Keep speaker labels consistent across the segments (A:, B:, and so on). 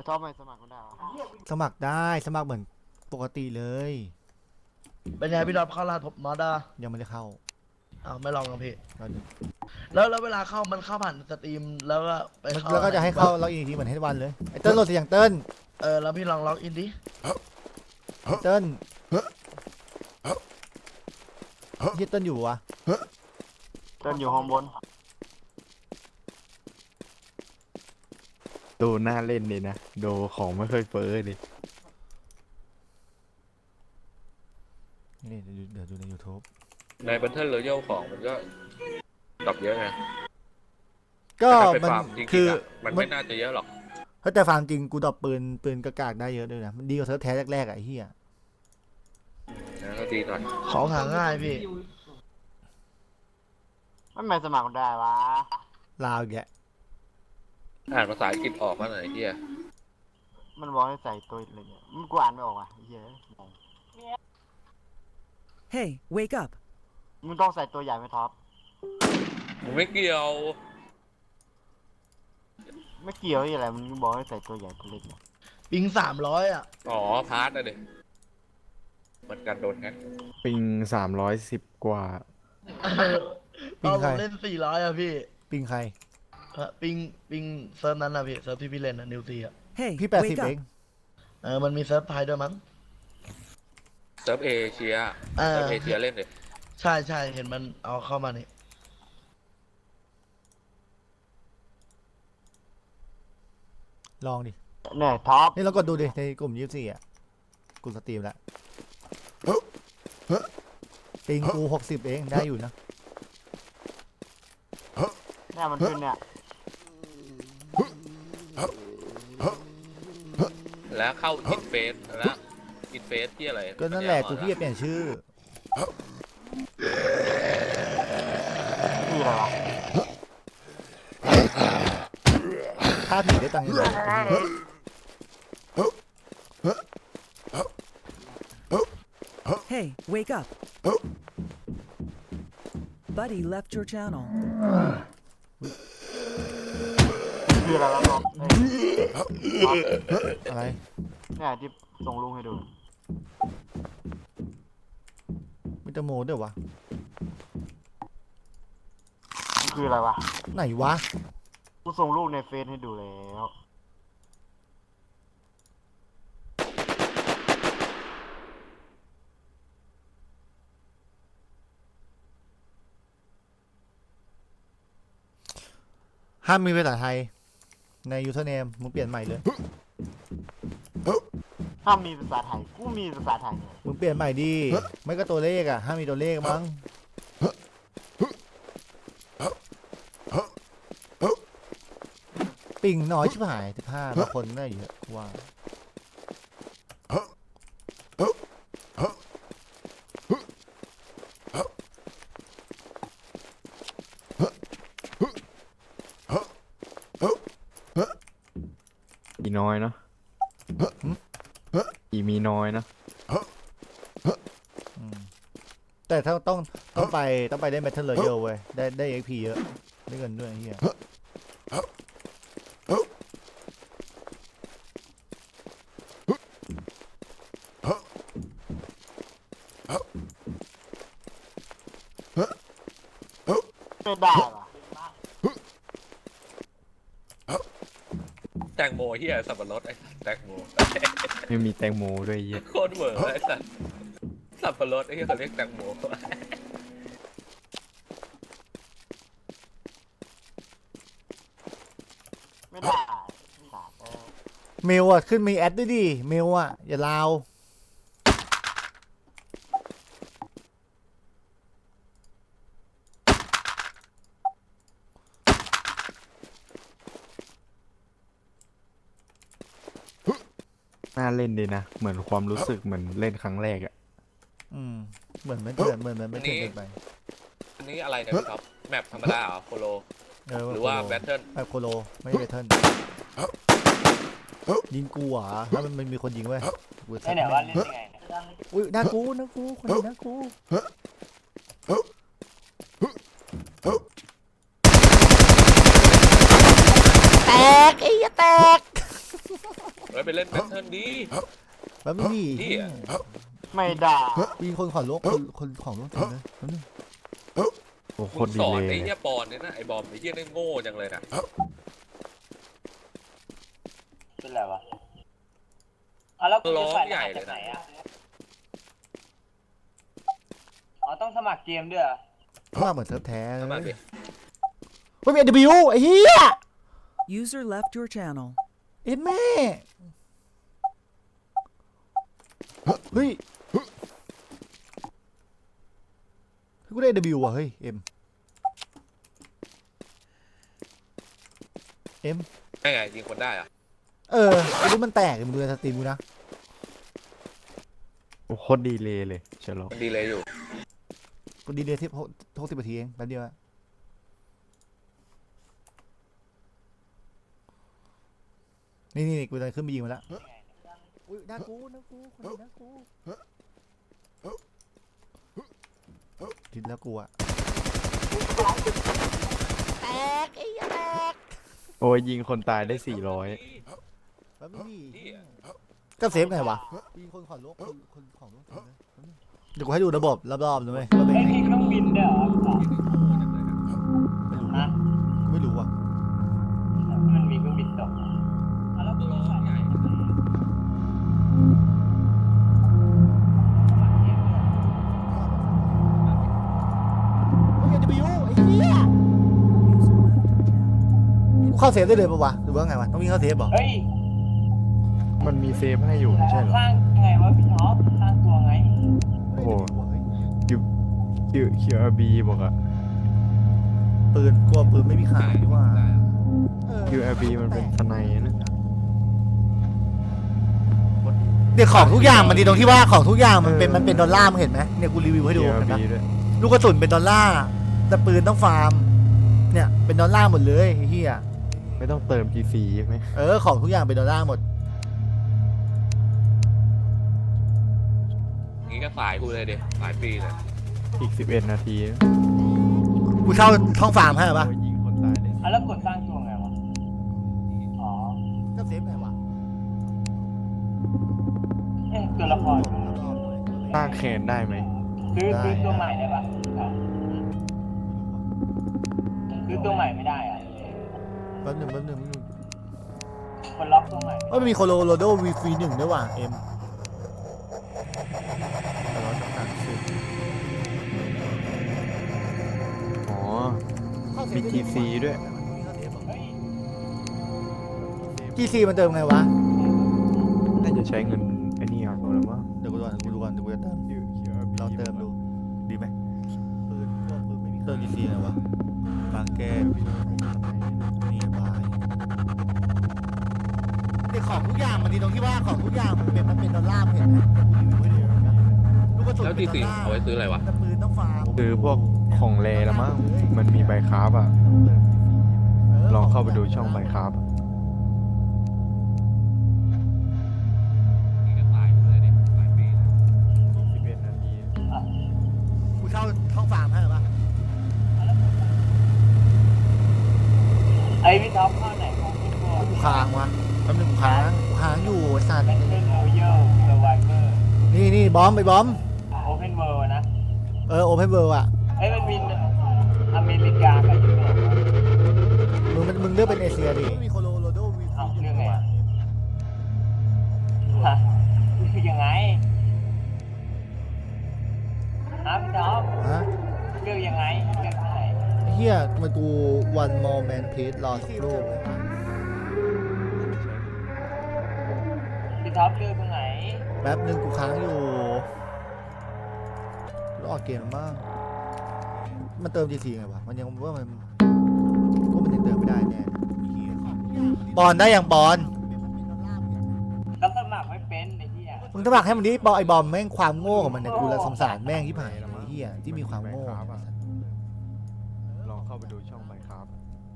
A: อบไม่สมัครก็ได้
B: สมัครได้สมัครเหมือนปกติเลย
C: เป็นไงพี่ดอทเข้ารหัสผมมาด้า
B: ยังไม่ได้เข้า
C: อ้าวไม่ลองกันพี่
B: แล้ว
C: แล้วเวลาเข้ามันเข้าผ่านสตรีมแล้วก็ไปเข้า
B: แล้วก็จะให้เข้าล็อกอินอีกทีเหมือนให้วันเลยไอ้เติ้ลโหลดเสียงเติ้ล
C: แล้วพี่ลองล็อกอินดิ
B: เติ้ลที่เติ้ลอยู่วะ
A: เดินอยู่ห้องบน
D: ดูน่าเล่นดีนะดูของไม่เคยเฟ้อดิ
B: นี่เดี๋ยวดูใน YouTube
E: ในบันเทิงเลยเย่ของมันก็ดรอปเยอะไง
B: ก็
E: แต่ถ้าไป
B: มัน
E: ฟาร์มจริงๆ
B: คือ
E: มันไม่น่าจะเยอะหรอก
B: ถ้าแต่ฟาร์มจริงกูดรอปปืนกากได้เยอะด้วยนะมันดีกว่าเซิร์ฟแท้แรกๆอ่ะไอ้เหี้ย
E: นะก็ดีหน่อย
C: ของหาง่ายพี่
A: ไม่สมัครก็ได้วะ
B: ลาวอีกแก
E: อ่านภาษาอังกฤษออกมาหน่อยเฮีย
A: มันบอกให้ใส่ตัวอะไรเนี่ยมันกูอ่านไม่ออกอ่ะเหี้ย
F: Hey, wake up.
A: มึงต้องใส่ตัวใหญ่ไหมท็อป
E: มึงไม่เกี่ยว
A: ไม่เกี่ยวอะไรมึงบอกให้ใส่ตัวใหญ่ตัวเล็กเนี่ย
C: ปิง300อ่ะ
E: อ๋อพาร์ทอะเด็เหมือนกันโดนแฮก
D: ปิง310 กว่า
C: ตอนผมเล่น400อ่ะพี่
B: ปิงใคร
C: ปิงเซิร์ฟนั้นอ่ะพี่เซิร์ฟที่พี่เล่นอ่ะนิวซีอ่ะ
F: Hey,
B: พี่
F: wake
B: 80
F: up.
B: เอง
C: มันมีเซิร์ฟไทยด้วยมั้ง
E: เซิร์ฟเอเชีย
C: เออ
E: เซิร์ฟเอเชียเล่นเด็
C: ใช่เห็นมันเอาเข้ามานี่
B: ลองดิ
A: เนี่ยท็อป
B: นี่เรากดดูดิในกลุ่ม24อ่ะกูสตรีมแล้วปิงกู60เองได้อยู่นะ
A: เนี่ยมันขึ้นเนี่ย
E: แล้วเข้าอินเฟสแล้วอินเฟสที่อะไร
B: ก็นั่นแหละกูพี่จะเปลี่ยนชื่อ
A: คืออะไรวะ
B: ค่าผีได้ตังค์ยังไง
F: Hey, wake up. Buddy left your channel.
A: คืออะไรวะท็อป
B: อะไร
A: เนี่ยที่ส่งลุงให้ดู
B: มิตรโมด้วยวะ
A: คืออะไรวะ
B: ไหนวะ
A: กูส่งรูปในเฟซให้ดูแล้ว
B: ห้ามมีภาษาไทยใน username มึงเปลี่ยนใหม่เลย
A: ถ้ามีภาษาไทยกูมีภาษาไทยเนี่ย
B: มึงเปลี่ยนใหม่ดิไม่ก็ตัวเลขอ่ะห้ามมีตัวเลขมั้งปิงน้อยชิบหาย15บางคนน่าเยอะว่า
D: อีน้อยเนาะอีมีน้อยเนาะ
B: แต่ถ้าต้องไปได้ Battle Royale เว้ยได้ XP เยอะได้เงินด้วยไอ้เฮีย
A: ไม่ได้วะ
E: แตงโมเฮียสับปะรดไอ้แตงโม
D: ไม่มีแตงโมด้วยเหี้ย
E: โคตรเวอร์ไอ้สัสสับปะรดไอ้เฮียเขาเรียกแตงโม
A: ไม่ได้
B: เมลอ่ะขึ้นมีแอดด้วยดิเมลอ่ะอย่าลาว
D: น่าเล่นดีนะเหมือนความรู้สึกเหมือนเล่นครั้งแรกอะ
B: เหมือนไม่เถื่อนไม่เถื่อนเกินไป
E: อันนี้อะไรเนี่ยพี่ท็อปแมปธรรมดาเหรอโคโลหรือว่าแบทเทิล
B: แบบโคโลไม่ใช่แบทเทิลยิงกูเหรอถ้ามันมีคนยิงเว้ยไม่ไหนว่าเล่นยังไงอุ้ยน่ากูคนนี้น่ากูแตกไอ้แตก
E: ฮ้ยไปเล่นแบทเทิลดี
B: แป๊บนึงดิ
E: เหี้ย
A: ไม่ด่า
B: มีคนขอลบคนของลบเต็มเลยแป๊บนึง
D: โอ้โค
E: มึ
D: ต
E: ง
D: รดี
E: สอน
D: เล
E: ไอ้
D: ย
E: เหี้ยปอนเนี่ยนะไอ้บอมไอ้เหี้ยนี่โง่จังเลยนะ
G: เป็นไรวะอ๋อแล้วคุณ
E: ร้
G: จะ
E: อง
G: ใส่ร
E: ใหญ่
G: หัส
E: เล
G: จาย กไหน
E: นะ
G: อ่ะอ๋อต้องสมัครเกมด้วยเหรอ
B: มาเหมือนเซิร์ฟแท้เล
E: ทำไม
B: ย
E: พี่
B: เฮ้ยมี AW ไอ้เหี้ย
F: User left your channel.
B: เอ็ดแม่เฮ้ยกูได้ AW ว่ะเฮ้ยเอ็ม
E: ไงไงยิงคนได้อะ
B: ไอ้รุ่นมันแตกมึงดูในสตรีมกูนะ
D: โอ้โคตรดีเลยเชลล์
E: มันดีเลยอยู่
B: กูดีเดย์ที่60 นาทีเองแป๊บเดียวอะนี่กูจะขึ้นไปยิงมาแล้วอุ้ยหน้ากูคนนี้หน้ากูทิดแล้วกูอะแตกไอ้ยาแตก
D: โอ้ยยิงคนตายได้400
B: แป๊บนึงดิ
E: เหี้ย
B: ก็เซฟไงวะยิงคนขอลบคนของลบเต็มเลยแป๊บนึงเดี๋ยวกูให้ดูระบบรอบๆดูไหมว่าเป็น
G: เอ้ย
B: ไง
G: มีเครื่องบินด้วยเหรอพี่ต่อ
B: ไม่รู้ว่ะ
G: มันมีเครื่องบินตกอ๋อแล้วคุณจะใส่รหัสจากไหนอะต้องสมัครเกมด้วยเหรอ
B: เฮ้ย AW ไอ้เหี้ย
F: User left your channel.
B: กูเข้าเซฟได้เลยปะวะหรือว่าไงวะต้องวิ่งเข้าเซฟเหรอ
G: เฮ้ย
D: มันมีเซฟให้อยู่ไม่ใช่เหรอ
G: สร้างยังไงวะพี่ท็อปสร้างตัวไง
D: โอ้โห QRB บอกอะ
B: ปืนกลัวปืนไม่มีขายดีกว่า
D: QRB มันเป็นสไนด์นะ
B: เดี๋ยวของทุกอย่างมันดีตรงที่ว่าของทุกอย่างมันเป็นดอลลาร์มึงเห็นไหมเนี่ยกูรีวิวให้ดูเห็น
D: QRB
B: ปะ
D: ด้วย
B: ลูกกระสุนเป็นดอลลาร์แต่ปืนต้องฟาร์มเนี่ยเป็นดอลลาร์หมดเลยไอ้เหี้ย
D: ไม่ต้องเติม GC ใช่ไหม
B: ของทุกอย่างเป็นดอลลาร์หมด
E: งี้ก็สายกูเลยเด็สายปีเลย
D: อีก11 นาที
B: กูเช่าท้องฟาร์มให้ปะ
D: โอ้ยยิงคนตายได้
G: อ่ะแล้วกดสร้างตัวไงวะ อ๋อ
B: ก็เซฟไงวะ
G: เอ๊ะตัวละคร
D: สร้างแคนได้ไหม
G: ซื้อตัวใหม่ได้ปะซื้อตัวใหม่ไม่ได้อ่ะ
B: แป๊บนึง
G: คนล็อกตัวใหม่
B: มันมีโคโลโรโดวีฟี1ด้วยว่ะเอ็มแต่เราต้องการซื้อ
D: อ๋อ มี GC ด้วย
G: เฮ้ย
B: GC มันเติมไงวะ
D: น่าจะใช้เงินไอ้นี่เอาหรือว่า
B: เดี๋ยวกูดูก่อนเดี๋ยวกูจะเติมลองเติมดูดีไหมปืนไม่มีเครื่อง GC ไงวะบางแก้วนี่บายเดี๋ยวของทุกอย่างมันดีตรงที่ว่าของทุกอย่างมันเป็นดอลลาร์มึงเห็นไหมกูรีวิวให้ดูนะลูกกระสุน
E: แล้ว
B: เป็
E: ที
B: นดอล
E: สี่
B: ลาร์
E: เอาไว้ซื้ออะไรวะ
B: แต่ปืนต้องฟาร์ม
D: คือพวกของเลละมั้งมันมีใบคราฟอะลองเข้าไปดูช่องใบคราฟ
E: งี้ก็สายกูเลยเด็สายปีเลย
D: 11 นาที
B: กูเช่าท้องฟาร์มให้ปะ
G: ไอ้พี่ท็อปเข้าไหนของพี่ตัว
B: กูค้างวะแป๊บนึงกูค้างอยู่ไอ้สัตว์
G: เป็นเรื่อง Royal Survivor
B: นี่บอมไปบอม
G: Open World นะ
B: โอเพนเวิร์อ่ะ
G: เอ้ยมันมีอเมริกากับยุโรปอะ
B: มึงเลือกเป็นเอเชียดิมีโคโลโรโดวี
G: เอาเรื่องไงอะฮะคือยังไงฮะพี่ท็อป
B: ฮะ
G: เลือกยังไงเลือกที่ไหน
B: ไอ้เฮียทำไมกู one more man please รอสักครู่
G: พี่ท็อปเลือกตรงไหน
B: แป๊บนึงกูค้างอยู่รอดเกมบ้างมันเติม GC ไงวะมันยังว่ามันยังเติมไม่ได้แน่ปอนได้ยังปอน
G: ก็สมัครไม่เป็นไอ้เหี้ย
B: มึงต้องบอกให้มันดิปอไอบอมแม่งความโง่ของมันเนี่ยกูละสงสารแม่งที่ผ่านไอ้เฮียที่มีความโง่
D: ลองเข้าไปดูช่องใบคราฟ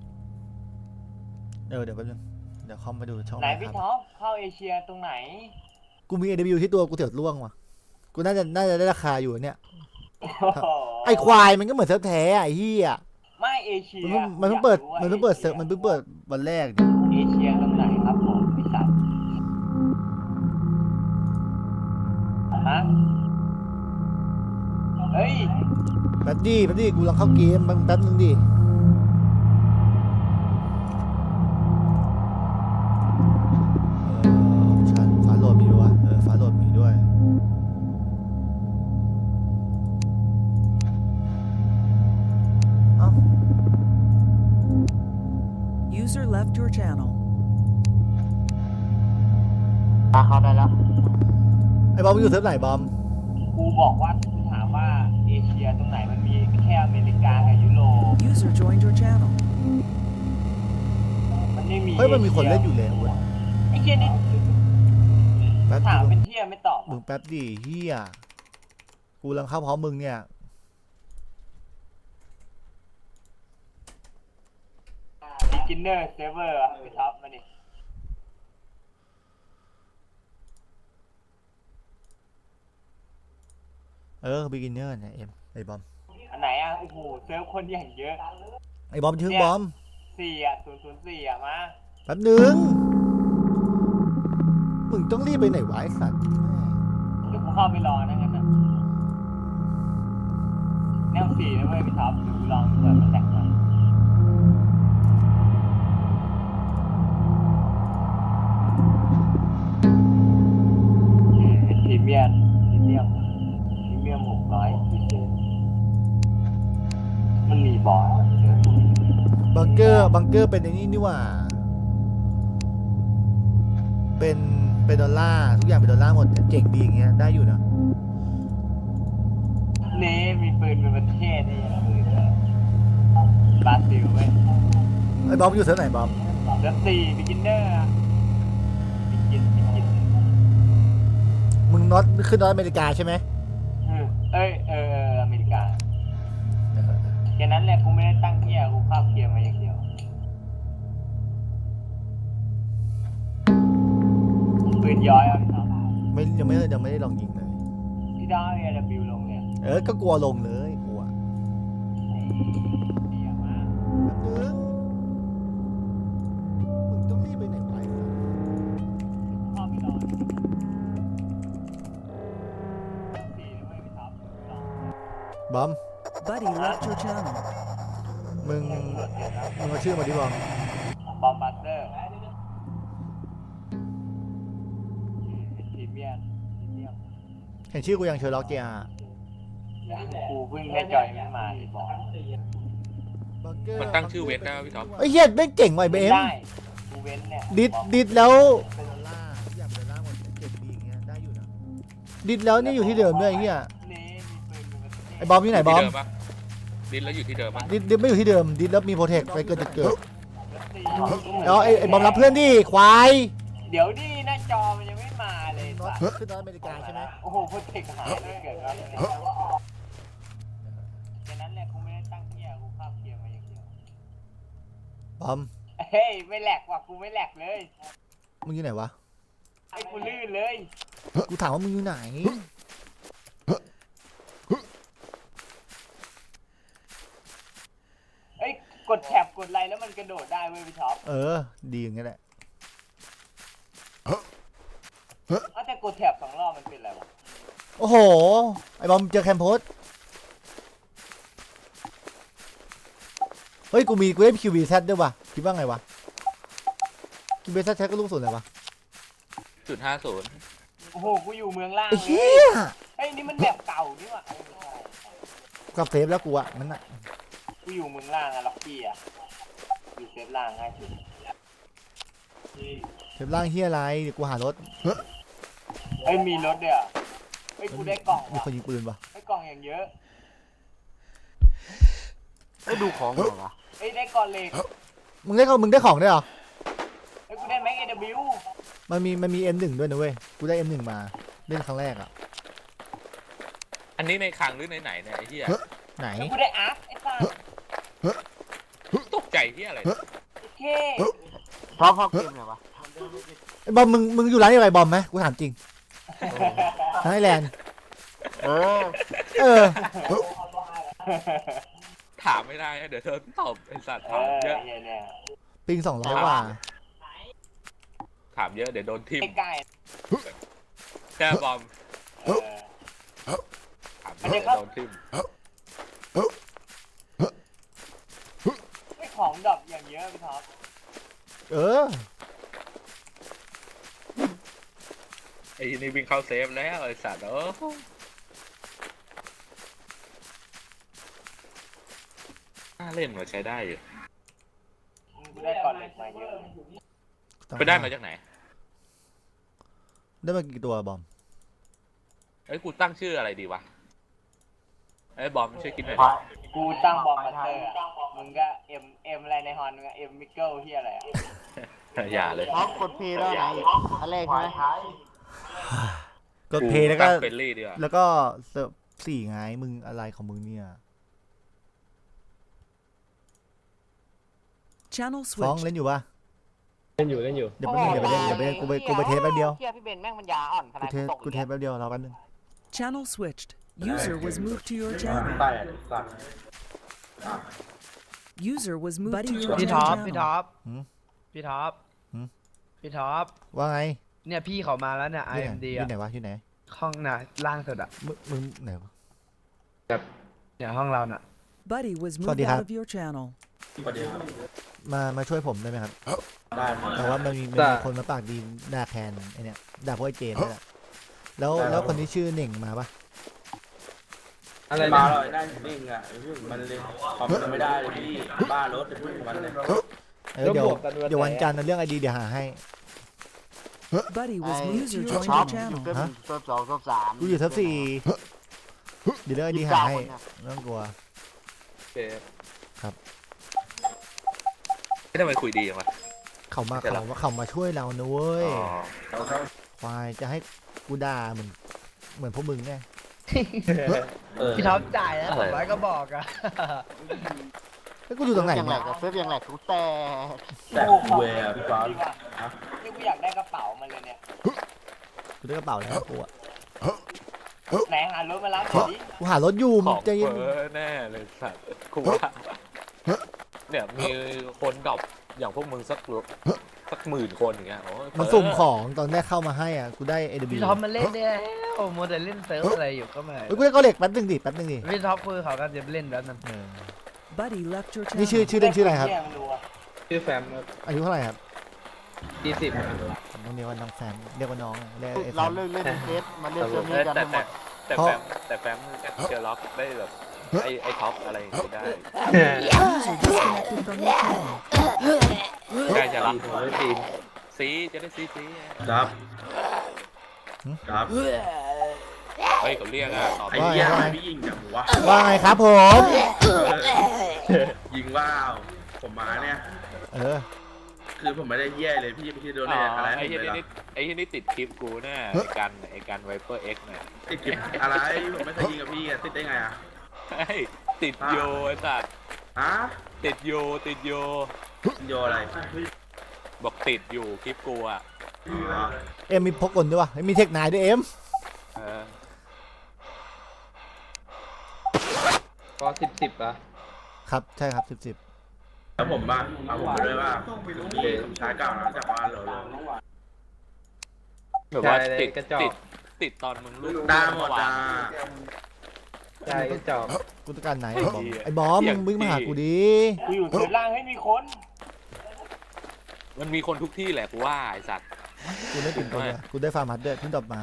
B: เดี๋ยวแป๊บนึงเดี๋ยวคอมไปดูช่อง
G: ไหน
B: ค
G: พี่
B: รับ
G: ท็อปเข้าเอเชียตรงไหน
B: กูมี AW ที่ตัวกูเถียวล่วงว่ะกูน่าจะได้ราคาอยู่เนี่ย
G: โอ้โห
B: ไอควายมันก็เหมือนเซิร์ฟแท้อะไอ้เหี้ย
G: ไม่เอเชีย
B: มันเพิ่งเปิด
G: อยากรู้ว่า
B: มันเพิ่งเปิดเซิร์ฟมันเพิ่งเปิดวันแรกเนี่ย
G: เอเชียตรงไหนครับผมพี่สัตว์ฮะเฮ้ย
B: แป๊บดิกูลองเข้าเกมแป๊บนึงดิชั้นฟ้าโหลดมีด้วยฟ้าโหลดมีด้วย เอ้า
F: User left your channel.
A: ตาเข้าได้แล้ว
B: ไอ้บอมอยู่เซิร์ฟไหนบอม
G: กูบอกว่ากูถามว่าเอเชียตรงไหนมันมีแค่อเมริกากับยุโรป
F: User joined your channel.
G: มันไม่มี
B: เฮ้ยมันมีคนเล่นอยู่แล้วเว้ย
G: ไอ้เหี้ยนี่
B: แป๊บ
G: ถาม
B: ดิ
G: เป็นเหี้ยไม่ตอบ
B: มึงแป๊บดิเฮียกูกำลังเข้าพร้อมมึงเนี่ย
G: beginner server อ่ะไปท็อปมาดิ
B: beginner เนี่ยไอ้บอม
G: อันไหนอ่ะโอ้โหเซิร์ฟคนอย่างเยอะ
B: ไอ้บอมชื่อบอม
G: 4 อ่ะ 004 อ่ะมา
B: แป๊บนึงมึงต้องรีบไปไหนวะไอ้สัตว์
G: เดี๋ยวกูเข้าไปรอนะงั้นนะแนว4นะเว้ยพี่ท็อปเดี๋ยวกูลองเปิดมันแตกมาพรีเมียม600พิเศษมันมีบอสเจอ
B: บังเกอร์เป็นไอ้นี่นี่หว่าเป็นดอลลาร์ทุกอย่างเป็นดอลลาร์หมดเจ๋งดีอย่างเงี้ยได้อยู่นะ
G: เน่มีปืนเป็นประเทศนี่อย่างปืนเลยบราซิลเว้ย
B: ไอ้บอมอยู่เซิร์ฟไหนบอม
G: เดือน4 beginner อะบิกิน
B: มึงน็อตขึ้นน็อตอเมริกาใช่ไหม
G: อเมริกาแค่นั้นแหละกูไม่ได้ตั้งเที่ยกูเข้าเกียร์มาอย่างเดียวปืนย้อยเอาพี่ท็อป
B: ยังไม่ได้ลองยิงเลย
G: พี่ดาวเอเดบิวลงเนี่ย
B: ก็กลัวลงเลยกลัว
G: เดียมาก
B: แป๊บนึงมึงต้องรีบไปไหนไป
G: เข้าไปรอ4นะเว้ยพี่ท็อปลอง
B: บอม
F: Buddy left your channel.
B: มึงเอาชื่อมาดิบอม
G: บอมบัสเตอร์พรีเมียม
B: เห็นชื่อกูยังเชอร์ล็อกเกียร์
G: กูเพิ่งได้จอยไม่มาเลยบอก
E: มันตั้งชื่อเวทได้ไหมพี่ท็อป
B: ไอ้เหี้ยแม่งเก่งว่ะไอ้เบม
G: ได้กูเว้นเนี่ย
B: ดิดแล้วเป็นดอลลาร์ทุกอย่างเป็นดอลลาร์หมดเจ๋งดีอย่างเงี้ยได้อยู่นะดิดแล้วนี่อยู่ที่เดิมด้วยไอ้เหี้ย
G: นี่มีปืนเป็นประเทศ
B: ไอ้บอมอยู่ไหนบอม
E: ที่เดิมปะดินแล้วอยู่ที่เดิมปะ
B: ดิดไม่อยู่ที่เดิมดิดแล้วมีโปรเทคไปเกินจะเกิดแล้วไอ้บอมรับเพื่อนดิควาย
G: เดี๋ยวดิหน้าจอมันยังไม่มาเลย
B: น็อต
G: สัตว์
B: ขึ้นน็อตอเมริกาใช่ไหม
G: โอ้โหพูดถึงหายเลยเกิดอะไรแค่นั้นแหละกูไม่ได้ตั้งเที่ยกูเข้าเกียร์มาอย่างเดียว
B: บอม
G: เฮ้ยไม่แหลกว่ะกูไม่แหลกเลย
B: มึงอยู่ไหนวะ
G: ไอ้กูลื่นเลย
B: กูถามว่ามึงอยู่ไหน
G: เอ้ยกดแท็บกดไลน์แล้วมันกระโดดได้เว้ยพี่ท็อป
B: ดีอย่างเงี้ยแหละ
G: เอาแต่กดแท็บ2 รอบมันเป็นอะไรวะ
B: โอ้โหไอ้บอมเจอแคมโพสเฮ้ยกูได้คิวบีแซดด้วยวะคิดว่าไงวะคิวบีแซดใช้ก็ลูกสุดเลยวะ
E: .50
G: โอ้โหกูอยู่เมืองล่าง
B: ไอ้
G: เล
B: เหี้
G: ย
B: ย
G: เฮ้ยนี่มันแบบเก่านี่หว่า
B: กลับเซฟแล้วกูอะมันอะ
G: กูอยู่เมืองล่างอะล็อกกี้อะอยู่เซฟล่างง่ายสุด
B: เซฟล่างเฮียอะไรเดี๋ยวกูหารถ
G: เฮ้ยมีรถด้วยเหรอเฮ้ยกูได้กล่อง
B: มี
G: ว่ะ
B: คนยิงปืนปะ
G: ได้กล่องอย่างเยอะ
A: ไอ้ดูของเหรอวะ
G: เฮ้ยได้กล่องเหล็ก
B: มึงได้ของด้วยเหรอ
G: เฮ้ยกูได้แม็กเอว
B: มันมี M1 ด้วยนะเว้ยกูได้ M1 มาเล่นครั้งแรกอะ
E: อันนี้ในคลังหรือในไหนเนี่ยไอ้เหี้ย
B: ไหน
G: แล้วกูได้อาร์คไอ้สัส
E: ตกใจเหี้ยอะไร
G: โอเค
A: ชอบเข้าเกมเหรอวะ
B: ไอ้บอมมึงอยู่ร้านอะไรบอมไหมกูถามจริงไทยแลนด์
A: เออ
E: ถามไม่ได้นะเดี๋ยวเธอตอบไอ้สัตว์
G: เอ
E: ถาม
G: อ
E: เยอะ
G: เนี่ย
B: ปิง200กว่า
E: ถามเยอะเดี๋ยวโดนทิม
G: ใกล้
E: แค่บอม
G: ๆอันนี้ครับ
E: โดนทิ่ม
G: ไม่ของดอกอย่างเยอะพี่ท็อป
B: เออ
E: ไอ้นี่วิ่งเข้าเซฟแล้วไอ้สัตว์น่าเล่นมาใช้ได้อยู่
G: กูได้ก่อนเหล็กมาเยอะ
E: ไปได้มาจากไหน
B: ได้มากี่ตัวบอม
E: เอ้ยกูตั้งชื่ออะไรดีวะไอ้บอมช่วยคิดหน่อย
G: กูตั้งบอมมาสเตอร์อะมึงก็เอ็มอะไรในฮอนมึงก็เอ็มมิเกิลเฮียอะไรอะ
E: อย่าเลย
A: ท็อปกดเพย์แล้วไหนอันแรกใช่ไหม
B: กดเพลย์แล้วก็
E: เฟรนลี่ดีกว่า
B: แล้วก็เสิร์ฟสี่ไงมึงอะไรของมึงเนี่ย
F: Channel
B: ฟ้อง
F: switched.
B: เล่นอยู่ปะ
H: เล่นอยู่
B: เดี๋ยวแป๊บนึงเดี๋ยวไปเล่นกูไปเทสแป๊บเดียว
G: เฮียพี่เบนแม่งมันยาอ่อนขนาด
B: กูเทสแป๊บเดียวรอแป๊บนึง
F: Channel switched. User was moved to your channel.
H: ใต้สัตว์
F: User was moved to your
C: พี่ท็อป
F: channel.
C: พี่ท็อป
B: หืม
C: พี่ท็อป
B: หืม
C: พี่ท็อป
B: ว่าไง
C: เนี่ยพี่เขามาแล้วเนี่ย
B: อยู่ไหน
C: IMD
B: อยู่ไหน
C: อะ
B: วะอยู่ไหน
C: ห้องน่ะล่างสุดอะ
B: มึงไหนวะ
C: เนี่ยห้องเราน่ะ
F: Buddy was
B: Sorry,
F: moved
B: Hap.
F: out of your channel.
H: สวัสดีครับ
B: มาช่วยผมได้ไหมครับ
H: ได้ครับ
B: แต่ว่ามันมี
H: ได้
B: คนมาปากดีด่าแทนไอเนี่ยด่าพวกไอเจนนี่แหละแล้วคนที่ชื่อเหน่งมาปะ
H: อะไรมาเลยได้นิ่งอ่ะมันเลยขอบมันไม่ได้เลยพี่บ้ารถจะพูดกับมันเลย
B: เดี๋ยววันจันทร์นะเรื่องไอดีเดี๋ยวหาให้
F: Buddy
A: ไอ้
F: was moved to
A: ท็อ
F: join
A: ป
F: your
A: อยู่
F: channel.
A: เซิร์ฟ
B: ฮะ
A: เซิร์ฟสองเซิร์ฟสาม
B: กูอยู่ทับสี่เดี๋ยวเรื่องไอดีหาให้ไม่ต้องกลัว
E: โอเค
B: ครับ
E: ไม่ทำไมคุยดีจังวะ
B: เขามาช่วยเรานะเว้ย
E: อ๋อ
B: ควายจะให้กูด่าเหมือนพวกมึงไง
C: พี่ท็อปจ่ายแล้ว200ก็บอกอะ
B: แล้วกูอยู่ตรงไหน
A: ยังแหล
B: เนี่ย
A: กเซิร์ฟยังแหลกกูแต่
H: แต่เวร์พี่ฟ้า
G: นี่กูอยากได้กระเป๋ามันเลยเนี่ย
B: กูได้กระเป๋าแล้วกูอะ
G: ไหนหารถมารับหน่อยดิ
B: กูหารถอยู่
E: ข
B: มึ
E: อง ง
B: ใจเย็น
E: เฟ้อแน่เลยสัตว์กูว่าเนี่ยมีคนดรอปอย่างพวกมึงสักหมื่นคนอย่างเงี้ยโอ้ย
B: มันสุ่มของตอนแรกเข้ามาให้อ่ะกูได้ AW
C: พี่ท็อปมาเล่นเนี่ยโอ้โมเดลเล่นเซิร์ฟอะไรอยู่ก็มา
B: เฮ้ยกูได้ก็เหล็กแป๊บนึงดิ
C: พี่ท็อปคือเขาก็จะเล่นแล้วนั่น
B: เออ
F: Buddy left your
B: นี่
F: channel.
B: ชื่อเล่นชื่ออะไรครับ
G: เฮียไม่รู้อะ
H: ชื่อแฟม
B: อายุเท่าไหร่ครับ
H: 20
B: ผมต้องเรียกว่าน้องแฟนเรียกว่าน้องเรียกไอ้แฟ
A: เรา
B: น
A: เลิกเล่นเซตมาเล่นเซิร์ฟนี้กันทั้งหมด
E: แต่แฟมเจอล็อกได้แบบไอ้ท็อปอะไรอย่างเงี้ยได้
F: User disconnected from your channel.
E: ใกล้จะรับ
H: ผมได้ทีม
E: ซีจะได้ซี
H: ครับครับ
E: เฮ้ยเขาเรียกอะตอบ
H: ไอ้เหี้ยพี่ยิงกับหัว
B: ว่าไงครับผม
H: ยิงว่าวผมมาเนี่ย
B: เออ
H: คือผมไม่ได้แย่เลยพี่ไม่ใช่โดนอะไร
E: ไอ้
H: ให้
E: เหี้ย
H: เลยหรอ
E: นี่ไอ้เหี้ยนี่ติดคลิปกูแน่ไอ้กันไวเปอร์เอ็กซ์เนี่ย
H: ติดเก็บอะไรผมไม่เคยยิงกับพี่อะติดได้ไงอะ
E: เฮ้ยติดโยไอ้สัตว์
H: ฮะ
E: ติดโย
H: โยอะไร
E: บอกติดอยู่คลิปกูอ่ะ
B: เอ็มมีพกกลด้วยวะมีเทคนายด้วยเอ็ม
E: เออ
H: ก็10อะ
B: ครับใช่ครับ10
H: แล้วผมบ้างเอาผมไปด้วยว่าพี่สมชายเก่านะจากบ้านเรา
E: แบบว่าติดตอนมึงลูก
H: ได้หมดอ่ะ
G: ใช่ก็จบ
B: กูต้องการไหนไอ้บอมมึงวิ่งมาหากูดิ
G: กูอยู่เซิร์ฟล่างให้มีคน
E: มันมีคนทุกที่แหละกูว่าไอ้สัตว์
B: กูได้ตื่นตัวเลยกูได้ฟาร์มฮัดเดอร์ที่ดรอปมา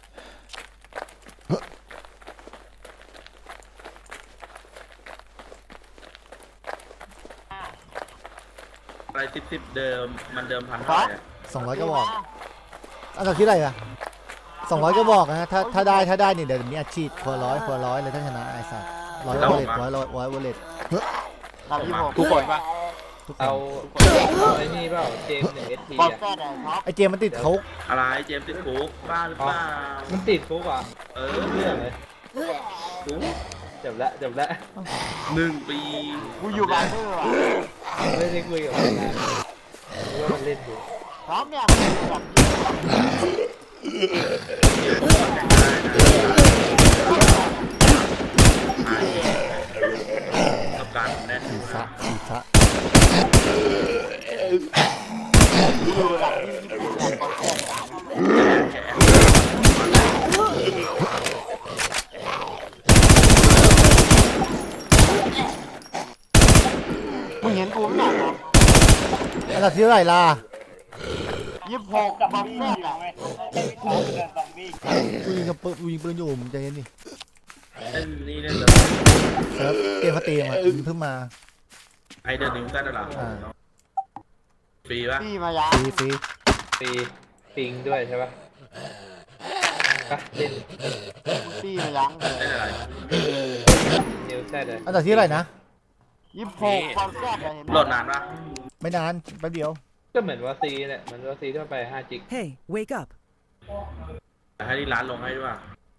H: อะไร10เดิมมันเดิม1,000เท่าไหร่อะ
B: 200ก็บอกอันดับที่อะไรอะ200ก็บอกนะถ้าได้เนี่ยเดี๋ยวมีอาชีพคนละร้อยเลยถ้าชนะไอ้สัส100วอลเล็ต100วอลเล็ต
A: รับที่ผม
E: ทุกคนปะ
B: ทุกค
H: เอา
B: น
H: ไอ้นี่เปล่าเจมส์1 SP
A: บอล
H: อ่ะ
A: แซดไอ้ท็อป
B: ไอ้เจมมันติดคุก
H: อะไรเจมส์ติดคุกบ้าหรือเปล่า
I: มันติดคุกอ่ะ
H: เออเรื่องเลย
I: จบละ
H: 1 ปี
A: กูอยู่บาร์เดอร์อ่ะ
I: ไม่ได้คุยกับมันนะว่ามันเล่นอยู่
A: ท็อปเนี่ยแบบ
H: กับการแน่
B: สีซะ
A: กูอยู่แบบที่ญี่ปุ่นแบบบอลแซดเห็นกูไม่หนักหรอ
B: อันดับที่เท่าไหร่ล่ะ
A: 26
G: กับ
A: บอล
G: บี้
A: แร
G: อก ยู่
A: อ่ะ
G: เว้ยไม่มีของเกินซอมบี้
B: กูยิงกับปืนกูยิงปืนอยู่มึงใจเย็นดิ
H: เล่นนี่เล่น
B: เซิร์ฟเกมเขาตีมามึงเพิ่งมา
H: ไอเดอร์นิวตันเหรอ
B: อ่า
H: ฟรีปะ
A: พี่มายัง
B: ฟรี
I: ปีปิงด้วยใช่ปะปะเล่น
A: พี่มายัง
H: เล่นอะไร
I: นิวแซ่เลย
B: อันดับที่เท่าไหร่นะ
A: 26บอลแรกอะเห็นไหม
H: โหลดนานปะ
B: ไม่นานแป๊บเดียว
I: ก็เหมือนว่าซีเนี่ยเหมือนว่าซีที่มันไป5 จิก
F: Hey, wake up.
H: ให้ที่ร้านลงให้ด้วย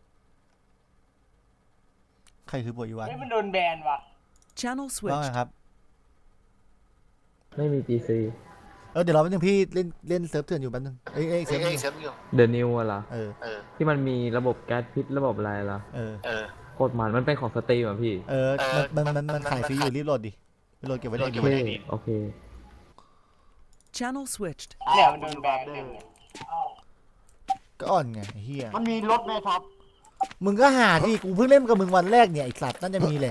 B: ใครคือบัวอีวัน
G: เฮ้ยมันโดนแบนว่ะ
F: Channel
B: ว่าไง
F: switched.
B: ครับ
I: ไม่มี GC
B: เดี๋ยวรอแป๊บนึงพี่เล่นเซิร์ฟเถื่อนอยู่แป๊บนึงเอ้ยเซิร์ฟอยู่
J: เดอะนิวเหรอ
B: เออ
J: ที่มันมีระบบแก๊สพิษระบบอะไรเหรอ
B: เออ
J: โคตรมันเป็นของสตรีมอ่ะพี่
B: มันขายฟรีอยู่รีบโหลดดิไปโหลดเก็บไว้ใน
J: โอ
B: ดี
J: เคโอเค
F: Channel switched.
G: เนี่ยมันโดนแบนเต็มเลย
B: ก็อ่อนไงไอ้เฮีย
A: มันมีรถไหมท็อป
B: มึงก็หาดิกูเพิ่งเล่นกับมึงวันแรกเนี่ยไอ้สัตว์น่าจะมีแหละ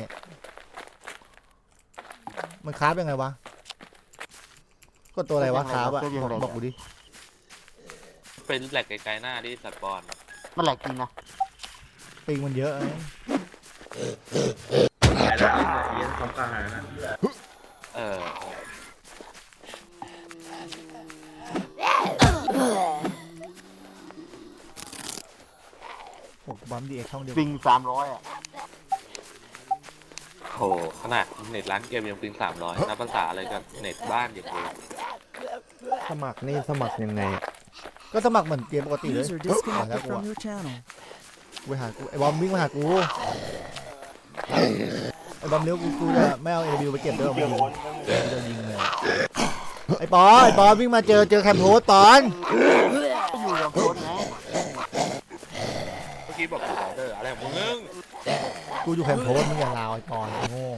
B: มันคราฟยังไงวะก็ตัวอะไรวะคราฟอะบอกกูดิ
E: เป็นแหลกไกลๆหน้าที่สัตว์บอล
A: มันแหลกจริงนะ
B: ปิงมันเยอะไอ้
H: หายแล้วเสียของกลางหายนะ
E: เออ
B: โอ้บัมดีเอ็กช่องเดียว
A: ปิง300อ่ะ
E: โหขนาดเน็ตร้านเกมยังปิง300นับภาษาอะไรกับเน็ตบ้านอย่างเดียว
D: สมัครนี่สมัครยังไง
B: ก็สมัครเหมือนเกมปกติเลย
F: User
B: หาแล้ว
F: disconnected
B: กู
F: from your channel.
B: ไปหากูไอ้บอมวิ่งมาหากูไอ้บอมเลี้ยวกูจะไม่เอาเอวิวไปเก็บด้วย
G: เกี่ยว
B: มึง
G: คนก็มี
B: จะยิงเลยไอ้ปอวิ่งมาเจอแคมโพสปอน
A: อยู่กับคนไง
E: เมื่อกี้บอกออเดอร์อะไรของมึง
B: กูอยู่แคมโพสมึงอย่าลาวไอ้ปอนโง่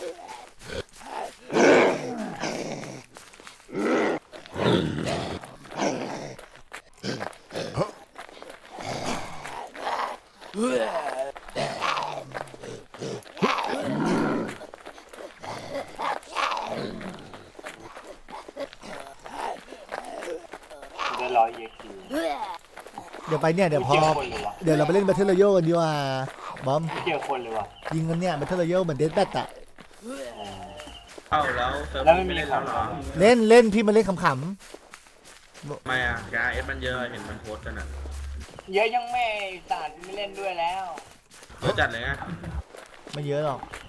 G: จะรอเยคี
B: เดี๋ยวไปเนี่ยเดี๋ยวพอ
G: เจอคนเลยวะ
B: เดี๋ยวเราไปเล่น Battle Royale กันดีกว่าบอม
G: ไม่เจอคนเลยวะ
B: ยิงกันเนี่ย Battle Royale เหมือน Death Bat อะ
H: เอ้าแล้วเซิร์ฟไม่เล่นแล้วเหรอ
B: เล่นพี่มาเล่นขำ
H: ทำไมอ่ะยาเอสมันเยอะเห็นมันโพสต์กันอ่ะ
G: เยอะยังไม่สาดไม่เล่นด้วยแล้ว
H: เยอะจัดเลยไง
B: ๆไม่เยอะหรอก